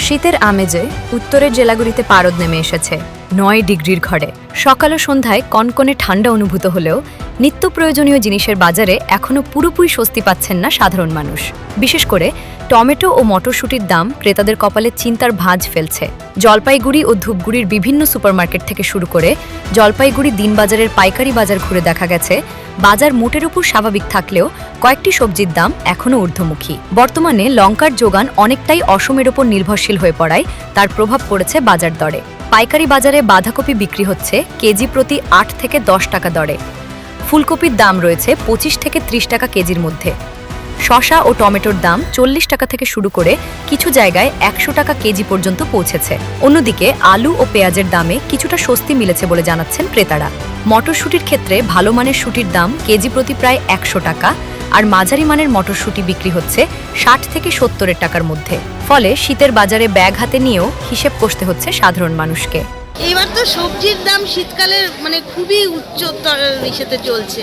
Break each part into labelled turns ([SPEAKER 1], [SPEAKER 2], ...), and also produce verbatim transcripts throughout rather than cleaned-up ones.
[SPEAKER 1] শীতের আমেজে উত্তরের জেলাগুলিতে পারদ নেমে এসেছে নয় ডিগ্রির ঘরে। সকাল ও সন্ধ্যায় কনকনে ঠান্ডা অনুভূত হলেও নিত্য প্রয়োজনীয় জিনিসের বাজারে এখনও পুরোপুরি স্বস্তি পাচ্ছেন না সাধারণ মানুষ। বিশেষ করে টমেটো ও মটরশুঁটির দাম ক্রেতাদের কপালে চিন্তার ভাঁজ ফেলছে। জলপাইগুড়ি ও ধূপগুড়ির বিভিন্ন সুপারমার্কেট থেকে শুরু করে জলপাইগুড়ি দিনবাজারের পাইকারি বাজার ঘুরে দেখা গেছে বাজার মোটের উপর স্বাভাবিক থাকলেও কয়েকটি সবজির দাম এখনও ঊর্ধ্বমুখী। বর্তমানে লঙ্কার যোগান অনেকটাই অসমের ওপর নির্ভরশীল হয়ে পড়ায় তার প্রভাব পড়েছে বাজার দরে। পাইকারি বাজারে বাঁধাকপি বিক্রি হচ্ছে কেজি প্রতি আট থেকে দশ টাকা দরে। ফুলকপির দাম রয়েছে পঁচিশ থেকে ত্রিশ টাকা কেজির মধ্যে। শসা ও টমেটোর দাম চল্লিশ টাকা থেকে শুরু করে কিছু জায়গায় একশো টাকা কেজি পর্যন্ত পৌঁছেছে। অন্যদিকে আলু ও পেঁয়াজের দামে কিছুটা স্বস্তি মিলেছে বলে জানাচ্ছেন ক্রেতারা। মটরশুঁটির ক্ষেত্রে ভালো মানের শুঁটির দাম কেজি প্রতি প্রায় একশো টাকা, আর মাঝারি মানের মটরশুঁটি বিক্রি হচ্ছে ষাট থেকে সত্তরের টাকার মধ্যে। ফলে শীতের বাজারে ব্যাগ হাতে নিয়েও হিসেব কষতে হচ্ছে সাধারণ মানুষকে।
[SPEAKER 2] এবার তো সবজির দাম শীতকালের মানে খুবই উচ্চতর ইসেতে চলছে।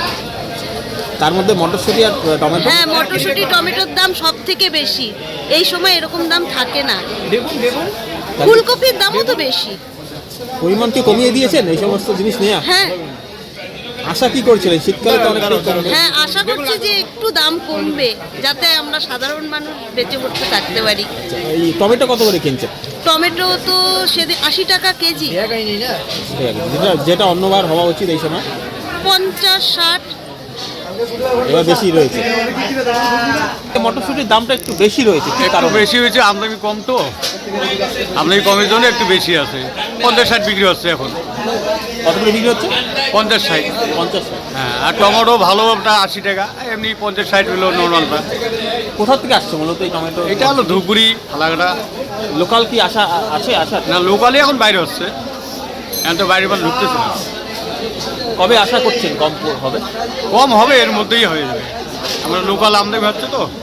[SPEAKER 3] তার মধ্যে মটরশুঁটি আর টমেটো,
[SPEAKER 2] হ্যাঁ মটরশুঁটি টমেটোর দাম সব থেকে বেশি। এই সময় এরকম দাম থাকে না।
[SPEAKER 3] দেখুন দেখুন
[SPEAKER 2] ফুলকপির দামও তো বেশি।
[SPEAKER 3] পরিমাণ কি কমিয়ে দিয়েছেন এই সমস্ত জিনিস নিয়ে?
[SPEAKER 2] হ্যাঁ
[SPEAKER 3] আশা কি করছিলেন শীতকালে তো অনেক কমবে?
[SPEAKER 2] হ্যাঁ আশা করছি যে একটু দাম কমবে যাতে আমরা সাধারণ মানুষ বেঁচে পড়তে থাকতে পারি।
[SPEAKER 3] এই টমেটো কত করে কিনছেন?
[SPEAKER 2] টমেটো তো সেদিন আশি টাকা কেজি।
[SPEAKER 3] ঠিক আছে, যেটা যেটা অন্যবার হওয়া উচিত এই সময়
[SPEAKER 2] পঞ্চাশ ষাট
[SPEAKER 3] এবার বেশি রয়েছে। মটরশুঁটির দামটা একটু বেশি রয়েছে, কি
[SPEAKER 4] একটু
[SPEAKER 3] কারণে?
[SPEAKER 4] বেশি হয়েছে, আমদানি কম তো, আমদানি কমের জন্য একটু বেশি আছে। পঞ্চাশ ষাট বিক্রি হচ্ছে এখন।
[SPEAKER 3] কত করে বিক্রি হচ্ছে?
[SPEAKER 4] পঞ্চাশ ষাট।
[SPEAKER 3] পঞ্চাশ।
[SPEAKER 4] হ্যাঁ, আর টমেটো ভালোটা আশি টাকা, এমনি পঞ্চাশ ষাট হলো নর্মালটা।
[SPEAKER 3] কোথা থেকে আসছে মূলত এই টমেটো?
[SPEAKER 4] এটা হলো ধূপগুড়ি ফালাকাটা।
[SPEAKER 3] লোকাল কি আশা আছে? আশা
[SPEAKER 4] না, লোকালি এখন বাইরে হচ্ছে, এখন তো বাইরে মাল ঢুকতেছে না।
[SPEAKER 3] কবে আশা করছেন কম হবে?
[SPEAKER 4] কম হবে, এর মধ্যেই হয়ে যাবে। আমরা লোকাল আমদানি হচ্ছে তো।